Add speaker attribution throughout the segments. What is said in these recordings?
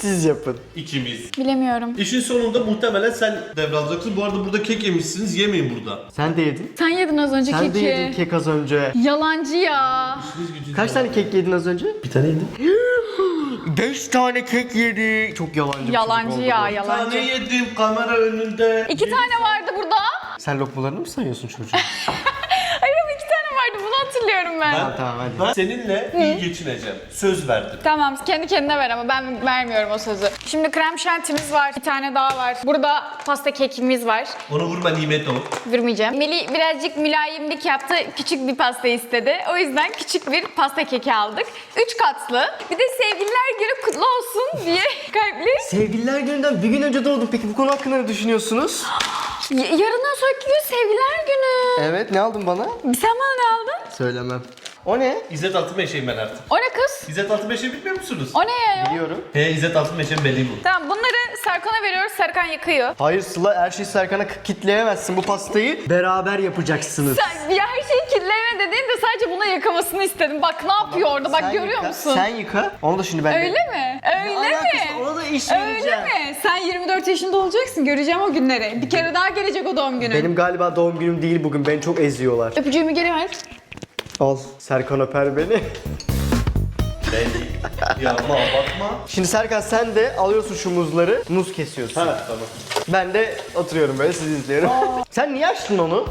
Speaker 1: Siz yapın.
Speaker 2: İkimiz.
Speaker 3: Bilemiyorum.
Speaker 2: İşin sonunda muhtemelen sen devralacaksın. Bu arada burada kek yemişsiniz. Yemeyin burada.
Speaker 1: Sen de yedin.
Speaker 3: Sen yedin az önce
Speaker 1: Sen
Speaker 3: keki.
Speaker 1: de yedin kek az önce.
Speaker 3: Yalancı ya.
Speaker 1: Kaç tane kek yedin az önce?
Speaker 2: Bir tane yedim.
Speaker 1: 5 tane kek yedi. Çok yalancı bir çocuk
Speaker 3: Yalancı
Speaker 1: oldu
Speaker 3: ya,
Speaker 1: bu.
Speaker 2: Bir tane
Speaker 3: yalancı.
Speaker 2: yedim kamera önünde.
Speaker 3: 2 tane vardı burada.
Speaker 1: Sen lokmalarını mı sayıyorsun çocuğum?
Speaker 3: Hayır ama 2 tane vardı, bunu hatırlıyorum ben.
Speaker 1: Tamam, hadi.
Speaker 2: Ben seninle iyi geçineceğim. Söz verdim.
Speaker 3: Tamam, kendi kendine ver ama ben vermiyorum o sözü. Şimdi krem şantimiz var, bir tane daha var. Burada pasta kekimiz var.
Speaker 2: Onu vurma nimet o.
Speaker 3: Vurmayacağım. Melih birazcık mülayimlik yaptı, küçük bir pasta istedi. O yüzden küçük bir pasta keki aldık. 3 katlı. Bir de sevgililer günü kutlu olsun diye kalpli.
Speaker 1: Sevgililer gününden bir gün önce doğdum. Peki bu konu hakkında ne düşünüyorsunuz?
Speaker 3: Yarından sonraki gün sevgililer günü.
Speaker 1: Evet, ne aldın bana?
Speaker 3: Sen bana ne aldın?
Speaker 1: Söylemem. O ne?
Speaker 2: İzzet Altınmeşe'yim ben artık.
Speaker 3: O ne kız?
Speaker 2: İzzet Altınmeşe'yi bilmiyor musunuz?
Speaker 3: O ne ya?
Speaker 1: Biliyorum.
Speaker 2: He İzzet Altınmeşe'nin belli bu.
Speaker 3: Tamam, bunları Serkan'a veriyoruz. Serkan yıkıyor.
Speaker 1: Hayır Sıla, her şeyi Serkan'a kitleyemezsin. Bu pastayı beraber yapacaksınız.
Speaker 3: Sen ya her şeyi kirleme dediğin de sadece buna yıkamasını istedim. Bak ne yapıyor orada, bak
Speaker 1: Sen
Speaker 3: görüyor
Speaker 1: yıka,
Speaker 3: musun?
Speaker 1: Sen yıka. Onu da şimdi ben de...
Speaker 3: Öyle mi? Öyle mi?
Speaker 1: Ona da iş
Speaker 3: Öyle
Speaker 1: vereceğim.
Speaker 3: mi? Sen 24 yaşında olacaksın. Göreceğim o günleri. Bir kere daha gelecek o doğum günü.
Speaker 1: Benim galiba doğum günüm değil bugün. Beni çok eziyorlar.
Speaker 3: Öpücüğümü geri ver.
Speaker 1: Al. Serkan öper beni.
Speaker 2: Belli. Ya bakma.
Speaker 1: Şimdi Serkan sen de alıyorsun şu muzları. Muz kesiyorsun.
Speaker 2: Ha tamam.
Speaker 1: Ben de oturuyorum böyle sizi izliyorum. Sen niye açtın onu?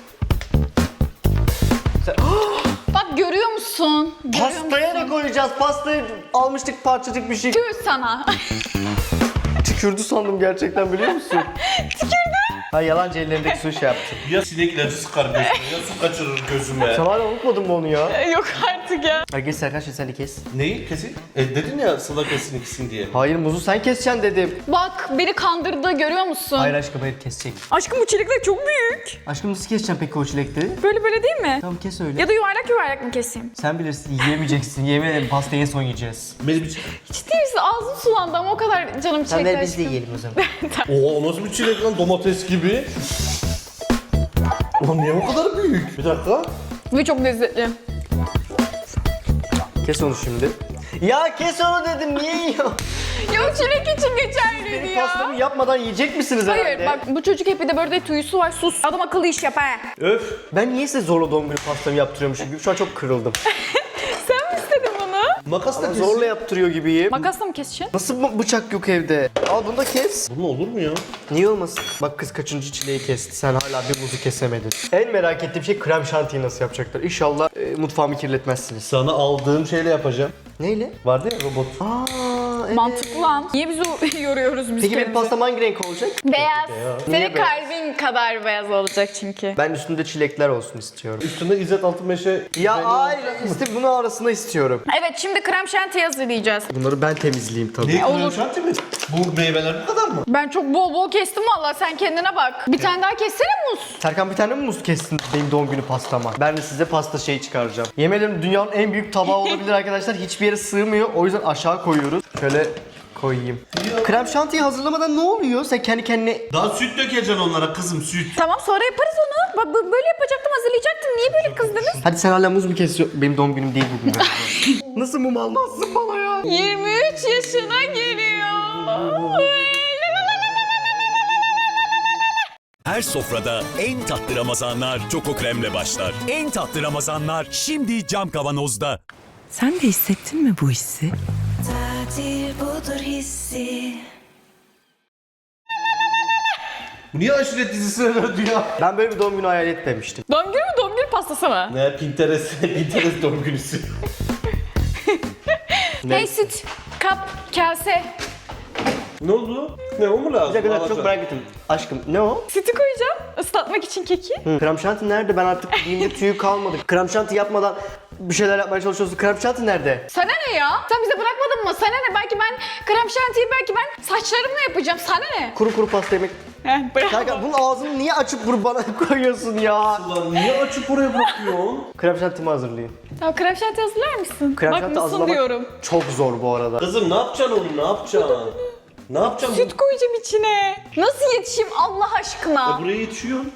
Speaker 3: Bak görüyor musun? Görüyor
Speaker 1: Pastaya
Speaker 3: musun?
Speaker 1: ne koyacağız? Pastayı almıştık parçacık bir şey.
Speaker 3: Tüh sana.
Speaker 1: Tükürdü sandım gerçekten biliyor musun?
Speaker 3: Tükürdü.
Speaker 1: Ha yalancı ellerindeki su şey yaptı.
Speaker 2: Ya sinek ilacı sıkar gözüme ya su kaçırır gözüme.
Speaker 1: Sen hala unutmadın mı onu ya?
Speaker 3: Yok artık ya.
Speaker 1: Hadi geç Serkan şimdi sen de kes.
Speaker 2: Neyi kesin? Dedin ya Sıla kesin ikisini diye.
Speaker 1: Hayır muzu sen keseceksin dedim.
Speaker 3: Bak beni kandırdı, görüyor musun?
Speaker 1: Hayır aşkım hayır kesecek.
Speaker 3: Aşkım bu çilekler çok büyük.
Speaker 1: Aşkım nasıl keseceksin peki o çilekleri?
Speaker 3: Böyle böyle değil mi?
Speaker 1: Tamam kes öyle.
Speaker 3: Ya da yuvarlak yuvarlak mı keseyim?
Speaker 1: Sen bilirsin yiyemeyeceksin. Yemin ederim pastayı en son yiyeceğiz.
Speaker 2: Beni bir
Speaker 3: Ciddi misin? Ağzım sulandı ama o kadar canım çekti aşkım.
Speaker 1: yiyelim o zaman.
Speaker 2: Oha o nasıl bir çilek lan domates gibi. Ulan niye o kadar büyük? Bir dakika.
Speaker 3: Ve çok lezzetli.
Speaker 1: Kes onu şimdi. Ya kes onu dedim niye yiyor?
Speaker 3: Ya o çilek için geçerliydi
Speaker 1: Benim
Speaker 3: ya.
Speaker 1: pastamı yapmadan yiyecek misiniz herhalde?
Speaker 3: Hayır bak bu çocuk hep bir de böyle tuyusu var, sus. Adam akıllı iş yap ha.
Speaker 2: Öf.
Speaker 1: Ben niye size zorla doğum günü pastamı yaptırıyormuşum gibi? Şu an çok kırıldım.
Speaker 3: Sen mi istedin bunu?
Speaker 2: Makasla kesin.
Speaker 1: Zorla yaptırıyor gibiyim.
Speaker 3: Makasla mı keseceksin?
Speaker 1: Nasıl bıçak yok evde? Al bunu da kes.
Speaker 2: Bu ne olur mu ya?
Speaker 1: Niye olmasın? Bak kız kaçıncı çileği kesti. Sen hala bir muzu kesemedin. En merak ettiğim şey krem şantiyi nasıl yapacaklar. İnşallah mutfağımı kirletmezsiniz.
Speaker 2: Sana aldığım şeyle yapacağım.
Speaker 1: Neyle?
Speaker 2: Vardı ya robot.
Speaker 1: Aa, evet.
Speaker 3: Mantıklı lan. Niye bizi yoruyoruz biz
Speaker 1: Peki benim
Speaker 3: kendimizi?
Speaker 1: pastam hangi renk olacak?
Speaker 3: Beyaz.
Speaker 1: Niye
Speaker 3: Senin
Speaker 1: beyaz?
Speaker 3: kalbin kadar beyaz olacak çünkü.
Speaker 1: Ben üstünde çilekler olsun istiyorum.
Speaker 2: Üstünde İzzet Altınmeşe.
Speaker 1: Ya hayır, bunu arasında istiyorum.
Speaker 3: Evet şimdi krem şanti hazırlayacağız.
Speaker 1: Bunları ben temizleyeyim tabii.
Speaker 2: Ne
Speaker 3: Olur.
Speaker 2: olur. Şanti mi? Bu meyveler bu kadar mı?
Speaker 3: Ben çok bol bol kestim valla, sen kendine bak. Bir tane daha kessene muz.
Speaker 1: Serkan bir tane mi muz kestin benim doğum günü pastama? Ben de size pasta şeyi çıkaracağım. Yemin ederim dünyanın en büyük tabağı olabilir arkadaşlar. Hiçbir yere sığmıyor. O yüzden aşağı koyuyoruz. Şöyle koyayım. Krem şantiyi hazırlamadan ne oluyor? Sen kendi kendine...
Speaker 2: Daha süt dökeceksin onlara kızım süt.
Speaker 3: Tamam sonra yaparız onu. Bak böyle yapacaktım, hazırlayacaktım. Niye böyle kızdınız?
Speaker 1: Hadi sen hala muz mu kesiyorsun? Benim doğum günüm değil bugün. Nasıl mum almazsın bana ya?
Speaker 3: 23 yaşına geliyor.
Speaker 4: Her sofrada en tatlı Ramazanlar Çoko Krem'le başlar. En tatlı Ramazanlar şimdi cam kavanozda.
Speaker 5: Sen de hissettin mi bu hissi?
Speaker 6: Tatil budur hissi.
Speaker 2: Bu niye aşiret dizisine döndü ya?
Speaker 1: Ben böyle bir doğum günü hayal etmemiştim.
Speaker 3: Doğum günü mü, doğum günü pastası mı?
Speaker 2: Ne Pinterest doğum günüsü.
Speaker 3: Hey süt, kap, kase.
Speaker 2: Ne oldu? Ne o mu lazım?
Speaker 1: Bir dakika çok
Speaker 2: Alacağım.
Speaker 1: merak ettim. Aşkım ne o?
Speaker 3: Sütü koyacağım ıslatmak için keki.
Speaker 1: Krem şanti nerede? Ben artık dilimde tüyü kalmadı. Krem şanti yapmadan bir şeyler yapmaya çalışıyorsun. Krem şanti nerede?
Speaker 3: Sana ne ya? Sen bize bırakmadın mı? Sana ne? Belki ben krem şantiyi saçlarımla yapacağım. Sana ne?
Speaker 1: Kuru kuru pasta yemek.
Speaker 3: Bravo.
Speaker 1: Serkan bunun ağzını niye açıp bana koyuyorsun ya?
Speaker 2: Ulan niye açıp oraya bırakıyorsun?
Speaker 1: Krem şantimi hazırlayın.
Speaker 3: Ya krem şanti hazırlar mısın?
Speaker 1: Krem
Speaker 3: Bak
Speaker 1: şanti
Speaker 3: mısın
Speaker 1: hazırlamak
Speaker 3: diyorum.
Speaker 1: çok zor bu arada.
Speaker 2: Kızım ne yapacaksın onu? Ne yapacaksın? Ne yapacaksın?
Speaker 3: Süt koyacağım içine. Nasıl yetişeyim Allah aşkına?
Speaker 2: Buraya yetişiyorsun.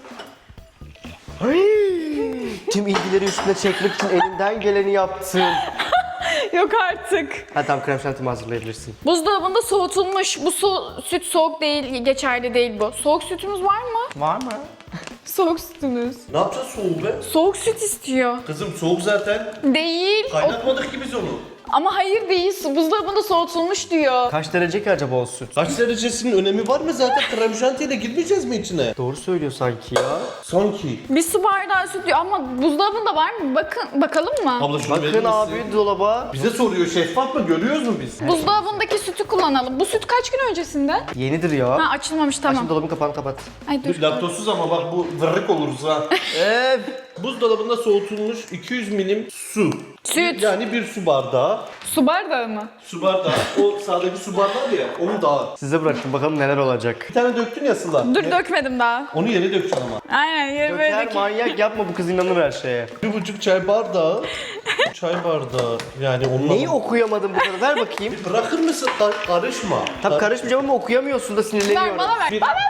Speaker 1: Tüm ilgileri üstüne çekmek için elinden geleni yaptın.
Speaker 3: Yok artık.
Speaker 1: Ha tamam, krem şantimi hazırlayabilirsin.
Speaker 3: Buzdolabında soğutulmuş. Bu süt soğuk değil, geçerli değil bu. Soğuk sütümüz var mı?
Speaker 1: Var mı?
Speaker 3: Soğuk sütümüz.
Speaker 2: Ne yapacağız soğuğu be?
Speaker 3: Soğuk süt istiyor.
Speaker 2: Kızım soğuk zaten.
Speaker 3: Değil.
Speaker 2: Kaynatmadık ki biz onu.
Speaker 3: Ama hayır değil. Buzdolabında soğutulmuş diyor.
Speaker 1: Kaç derece ki acaba o süt?
Speaker 2: Kaç derecesinin önemi var mı zaten? Krem şantiyle girmeyeceğiz mi içine?
Speaker 1: Doğru söylüyor sanki ya.
Speaker 2: Sanki.
Speaker 3: Bir su bardağı süt diyor ama buzdolabında var mı? Bakalım mı?
Speaker 2: Abla şunu verir
Speaker 1: Bakın
Speaker 2: misin?
Speaker 1: abi dolaba.
Speaker 2: Bize soruyor, şeffaf mı? Görüyoruz mu biz?
Speaker 3: Buzdolabındaki sütü kullanalım. Bu süt kaç gün öncesinden?
Speaker 1: Yenidir ya.
Speaker 3: Ha açılmamış tamam.
Speaker 1: Şimdi dolabın kapağını kapat.
Speaker 3: Ay dur.
Speaker 2: Laktozsuz ama bak bu vırrık oluruz ha. Buzdolabında soğutulmuş 200 milim su.
Speaker 3: Süt.
Speaker 2: Yani bir su bardağı.
Speaker 3: Su bardağı mı?
Speaker 2: Su bardağı. O sağdaki su bardağı ya, onu daha.
Speaker 1: Size bıraktım, bakalım neler olacak.
Speaker 2: Bir tane döktün ya Sıla.
Speaker 3: Dur dökmedim daha.
Speaker 2: Onu yere dökeceksin ama.
Speaker 3: Aynen yeri böyle
Speaker 1: Döker manyak yapma, bu kız inanır her şeye.
Speaker 2: 1,5 çay bardağı. Çay bardağı. Yani onunla...
Speaker 1: Neyi okuyamadım bu kadar? Ver bakayım.
Speaker 2: Bırakır mısın? Karışma.
Speaker 1: Tabii karışmayacağım ama okuyamıyorsun da sinirleniyorum.
Speaker 3: Ver bana ver.
Speaker 2: Bir-
Speaker 3: Bana ver.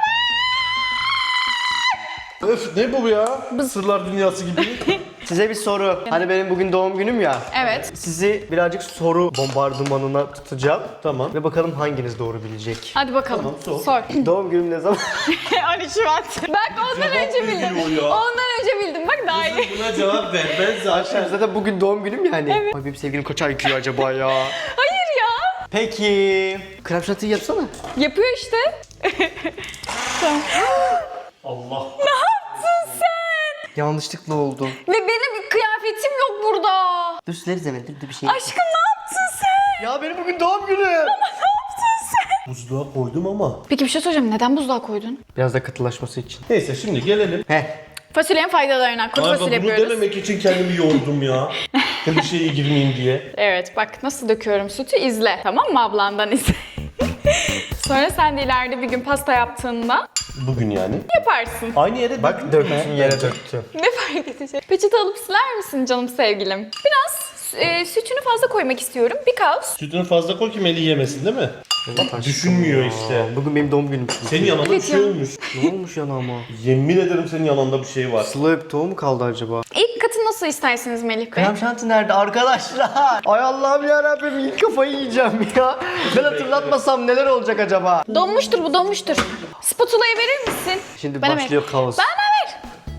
Speaker 2: Öf ne bu ya? Sırlar dünyası gibi.
Speaker 1: Size bir soru. Hani benim bugün doğum günüm ya.
Speaker 3: Evet.
Speaker 1: Sizi birazcık soru bombardımanına tutacağım.
Speaker 2: Tamam.
Speaker 1: Ve bakalım hanginiz doğru bilecek.
Speaker 3: Hadi bakalım.
Speaker 2: Tamam, sor.
Speaker 3: Sor.
Speaker 1: Doğum günüm ne zaman?
Speaker 3: 13 Şubat. Bak ondan
Speaker 2: Cevap
Speaker 3: önce bildim.
Speaker 2: veriyor ya.
Speaker 3: Ondan önce bildim. Bak daha iyi.
Speaker 2: Buna cevap ver. Ben zaten...
Speaker 1: Zaten bugün doğum günüm ya hani. Ay benim sevgilim kaç ay gidiyor acaba ya?
Speaker 3: Hayır ya.
Speaker 1: Peki. Krem şantiyi yapsana.
Speaker 3: Yapıyor işte. Tamam.
Speaker 2: Allah.
Speaker 3: Ne yaptın sen?
Speaker 1: Yanlışlıkla oldu.
Speaker 3: Ve benim kıyafetim yok burada.
Speaker 1: Dur sileriz hemen. Dur bir şey.
Speaker 3: Aşkım ne yaptın sen?
Speaker 1: Ya benim bugün doğum günüm.
Speaker 3: Ne yaptın sen?
Speaker 2: Buzluğa koydum ama.
Speaker 3: Peki bir şey soracağım. Neden buzluğa koydun?
Speaker 1: Biraz da katılaşması için.
Speaker 2: Neyse şimdi gelelim.
Speaker 1: Heh.
Speaker 3: Fasulyenin faydalarına. Kuru
Speaker 2: Galiba
Speaker 3: fasulye
Speaker 2: bunu
Speaker 3: yapıyoruz.
Speaker 2: dememek için kendimi yordum ya. Klişeye girmeyeyim diye.
Speaker 3: Evet bak nasıl döküyorum sütü izle. Tamam mı ablandan izle. Sonra sen de ileride bir gün pasta yaptığında
Speaker 2: Bugün yani.
Speaker 3: yaparsın.
Speaker 2: Aynı yere
Speaker 1: Bak döktün yere döktün.
Speaker 3: Ne fark edecek? Peçete alıp siler misin canım sevgilim? Biraz sütünü fazla koymak istiyorum. Because.
Speaker 2: Sütünü fazla koy ki Melih yemesin değil mi? Düşünmüyor işte.
Speaker 1: Bugün benim doğum günüm.
Speaker 2: Senin yanında bir
Speaker 3: Evet
Speaker 2: şey
Speaker 3: ya.
Speaker 2: olmuş.
Speaker 1: Ne olmuş yanağıma?
Speaker 2: Yemin ederim senin yanında bir şey var.
Speaker 1: Sıla öptüğü mu kaldı acaba?
Speaker 3: İlk katı nasıl istersiniz Melih Bey?
Speaker 1: Krem şanti nerede arkadaşlar? Ay Allah'ım yarabbim, ilk kafayı yiyeceğim ya. Ben hatırlatmasam neler olacak acaba?
Speaker 3: Donmuştur bu donmuştur. Spatula'yı verir misin?
Speaker 1: Şimdi
Speaker 3: Bana
Speaker 1: başlıyor kaos.
Speaker 3: Bana ver.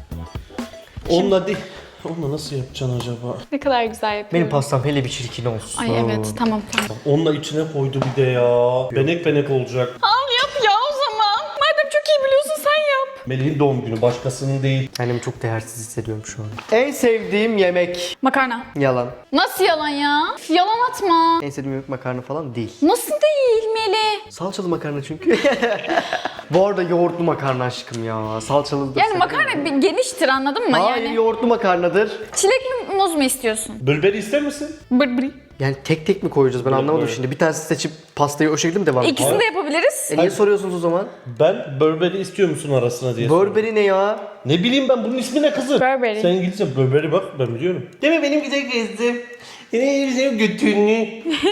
Speaker 2: Onunla değil. Onunla nasıl yapacaksın acaba?
Speaker 3: Ne kadar güzel yapıyorum.
Speaker 1: Benim pastam hele bir çirkin olsun.
Speaker 3: Ay evet tamam tamam.
Speaker 2: Onunla içine koydu bir de ya. Benek benek olacak.
Speaker 3: Al yap ya o zaman. Madem çok iyi biliyorsun sen yap.
Speaker 2: Melih'in doğum günü başkasının değil.
Speaker 1: Kendimi çok değersiz hissediyorum şu an. En sevdiğim yemek.
Speaker 3: Makarna.
Speaker 1: Yalan.
Speaker 3: Nasıl yalan ya? Yalan atma.
Speaker 1: En sevdiğim yemek makarna falan değil.
Speaker 3: Nasıl değil Melih?
Speaker 1: Salçalı makarna çünkü. Bu arada yoğurtlu makarna aşkım ya. Salçalı da
Speaker 3: Yani
Speaker 1: severim.
Speaker 3: makarna bir geniştir anladın mı?
Speaker 1: Hayır,
Speaker 3: Yani
Speaker 1: yoğurtlu makarnadır.
Speaker 3: çilek mi muz mu istiyorsun?
Speaker 2: Bülberi ister misin?
Speaker 3: Bırbırı.
Speaker 1: Yani tek tek mi koyacağız, ben anlamadım
Speaker 2: böyle.
Speaker 1: şimdi. Bir tanesi seçip pastayı o şekilde mi devam edeceğiz?
Speaker 3: İkisini de yapabiliriz.
Speaker 1: Niye soruyorsunuz o zaman?
Speaker 2: Ben Burberry istiyor musun arasına diye.
Speaker 1: Burberry ne ya?
Speaker 2: Ne bileyim ben bunun ismi ne kızım?
Speaker 3: Burberry.
Speaker 2: Sen İngilizce Burberry bak ben biliyorum. Değil mi benim güzel kızım? Yine güzel götünü.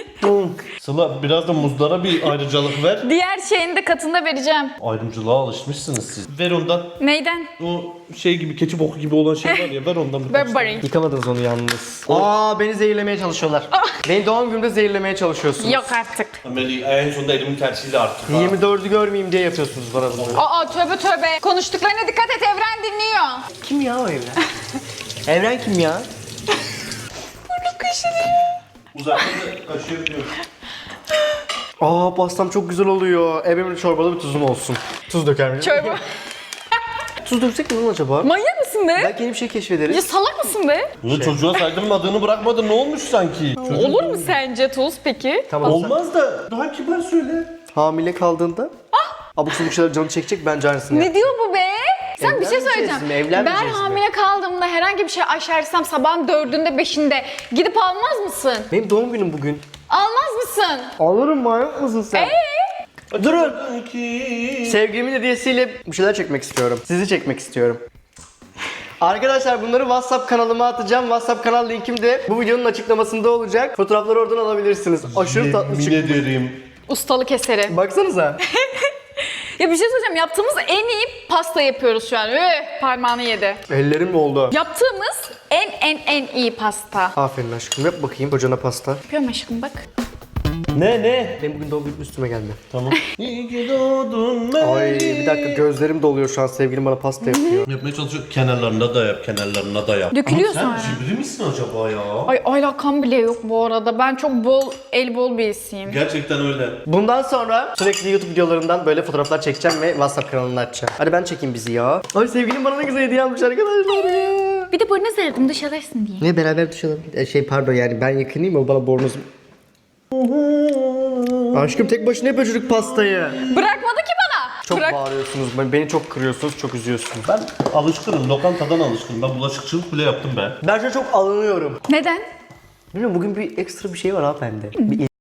Speaker 2: Sıla biraz da muzlara bir ayrıcalık ver.
Speaker 3: Diğer şeyini de katında vereceğim.
Speaker 2: Ayrımcılığa alışmışsınız siz. Ver ondan.
Speaker 3: Neyden?
Speaker 2: O şey gibi keçi boku gibi olan şey var ya ver ondan. birkaç tane.
Speaker 3: Burberry.
Speaker 1: Yıkamadınız onu yalnız. Aa, beni zehirlemeye çalışıyorlar. Beni doğum günümde zehirlemeye çalışıyorsunuz.
Speaker 3: Yok artık.
Speaker 2: Melih en sonunda elimin tersiyle artık.
Speaker 1: 24'ü görmeyeyim diye yapıyorsunuz bana bunu.
Speaker 3: Aa tövbe tövbe. Konuştuklarına dikkat et Evren dinliyor.
Speaker 1: Kim ya o Evren? Evren kim ya?
Speaker 2: Uzaktan da kaşıyabiliyorum.
Speaker 1: Aa, pastam çok güzel oluyor. Evimin çorbalı bir tuzum olsun. Tuz döker miyim?
Speaker 3: Çorba.
Speaker 1: Tuz döksek mi lan acaba?
Speaker 3: Manyak mısın be?
Speaker 1: Belki yeni bir şey
Speaker 3: Ya
Speaker 1: keşfederiz.
Speaker 3: salak mısın be?
Speaker 2: Bunu çocuğa saydırmadığını bırakmadın ne olmuş sanki?
Speaker 3: Olur mu sence Tuz peki?
Speaker 1: Tamam.
Speaker 2: Olmaz da daha kibar söyle.
Speaker 1: Hamile kaldığında abuk sabuk şeyler canı çekecek, bence aynısını yap.
Speaker 3: Ne diyor bu be? Sen bir şey
Speaker 1: Evlenmeyeceğiz
Speaker 3: söyleyeceğim.
Speaker 1: mi? Evlenmeyeceğiz
Speaker 3: Ben
Speaker 1: mi?
Speaker 3: hamile kaldığımda herhangi bir şey aşersem sabahın 4'ünde 5'inde gidip almaz mısın?
Speaker 1: Benim doğum günüm bugün.
Speaker 3: Almaz mısın?
Speaker 1: Alırım, manyak mısın sen? Durun.
Speaker 2: Ki.
Speaker 1: Sevgilimin hediyesiyle bir şeyler çekmek istiyorum. Sizi çekmek istiyorum. Arkadaşlar bunları WhatsApp kanalıma atacağım. WhatsApp kanal linkim de bu videonun açıklamasında olacak. Fotoğrafları oradan alabilirsiniz. Aşırı tatlı
Speaker 2: Yemin
Speaker 1: çıkmış.
Speaker 2: ederim.
Speaker 3: Ustalık eseri.
Speaker 1: Baksanıza.
Speaker 3: Ya bir şey söyleyeceğim. Yaptığımız en iyi pasta yapıyoruz şu an. Parmağını yedi.
Speaker 1: Ellerim oldu.
Speaker 3: Yaptığımız en en iyi pasta.
Speaker 1: Aferin aşkım. Yap bakayım kocana pasta.
Speaker 3: Yapıyorum aşkım bak.
Speaker 2: Ne?
Speaker 1: Benim bugün doğum günüm üstüme geldi.
Speaker 2: Tamam. İyi ki doğdun
Speaker 1: Ay bir dakika gözlerim doluyor şu an. Sevgilim bana pasta yapıyor.
Speaker 2: Yapmaya çalışıyor. Kenarlarına da yap, kenarlarına da yap.
Speaker 3: Dökülüyor
Speaker 2: Ama
Speaker 3: sonra.
Speaker 2: sen cimri misin acaba ya?
Speaker 3: Ay alakam bile yok bu arada. Ben çok bol birisiyim.
Speaker 2: Gerçekten öyle.
Speaker 1: Bundan sonra sürekli YouTube videolarından böyle fotoğraflar çekeceğim ve WhatsApp kanalını açacağım. Hadi ben çekeyim bizi ya. Ay sevgilim bana ne güzel hediye almış arkadaşlar ya.
Speaker 3: Bir de bornoz verdim dış alırsın diye.
Speaker 1: Ne beraber düşelim. Pardon yani ben yakınayım o bana bornozum. Aşkım tek başına yapıyor çocuk pastayı.
Speaker 3: Bırakmadı ki bana.
Speaker 1: Çok
Speaker 3: Bırak.
Speaker 1: bağırıyorsunuz. Beni çok kırıyorsunuz, çok üzüyorsunuz.
Speaker 2: Ben alışkınım, lokantadan alışkınım. Ben bulaşıkçılık bile yaptım ben.
Speaker 1: Ben şu an çok alınıyorum.
Speaker 3: Neden?
Speaker 1: Bilmiyorum bugün bir ekstra bir şey var ha bende. Bir